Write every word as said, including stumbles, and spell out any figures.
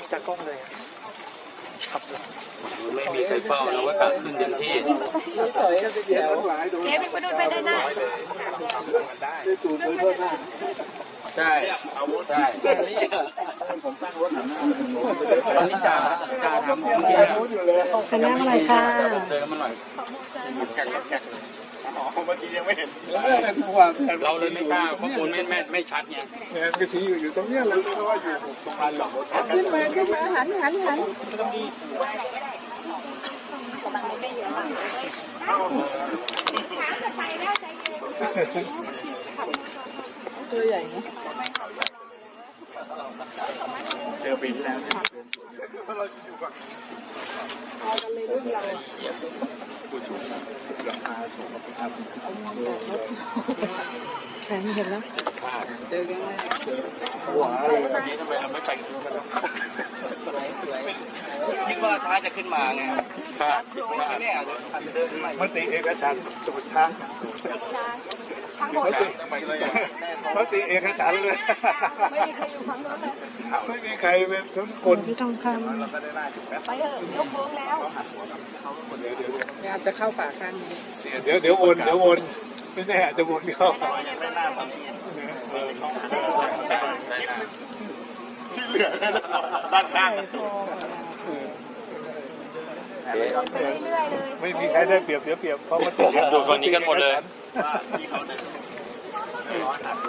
จากกล้องเลยครับไม่มีใครเฝ้าเราก็ตัดขึ้นเต็มที่เจ๊ไปดูไปได้หน้าใช่ใช่ตอนนี้จ่าจ่าทำเมื่อกี้เป็นน้ำอะไรค่ะเดินมาหน่อยแข่งแข่งอ๋อเมื่อกี้ยังไม่เห็นเราเลยไม่กล้าข้อมูลไม่ไม่ไม่ชัดไงเนี่ยกะทิอยู่อยู่ตรงเนี้ยเลยเพราะว่าอยู่ตรงพันหลอกขึ้นมาขึ้นมาหันหันหันตัวใหญ่นะเจอปีที่แล้วเนี่ยเราอยู่กับเอากันเลยรุ่นเราผู้ชุมราคาสูงครับแข็งเห็นแล้วเจอกันไหมหัวอะไรวันนี้ทำไมเราไม่แต่งตัวกันคิดว่าช้าจะขึ้นมาไงค่ะเนี่ยมติเอกฉันท์สุดท้ายมติมติเอกฉันท์เลยไม่มีใครอยู่ฝั่งโน้นเลยไม่มีใครเป็นทุกคนพี่ทองคำไปเถอะยกโค้งแล้วอยากจะเข้าป่าข้างนี้เดี๋ยวเดี๋ยววนเดี๋ยววนไม่แน่จะวนเข้าที่เหลือด้านข้างไม่มีใครได้เปรียบเสียเปรียบเพราะมันอยู่คนนี้กันหมดเลย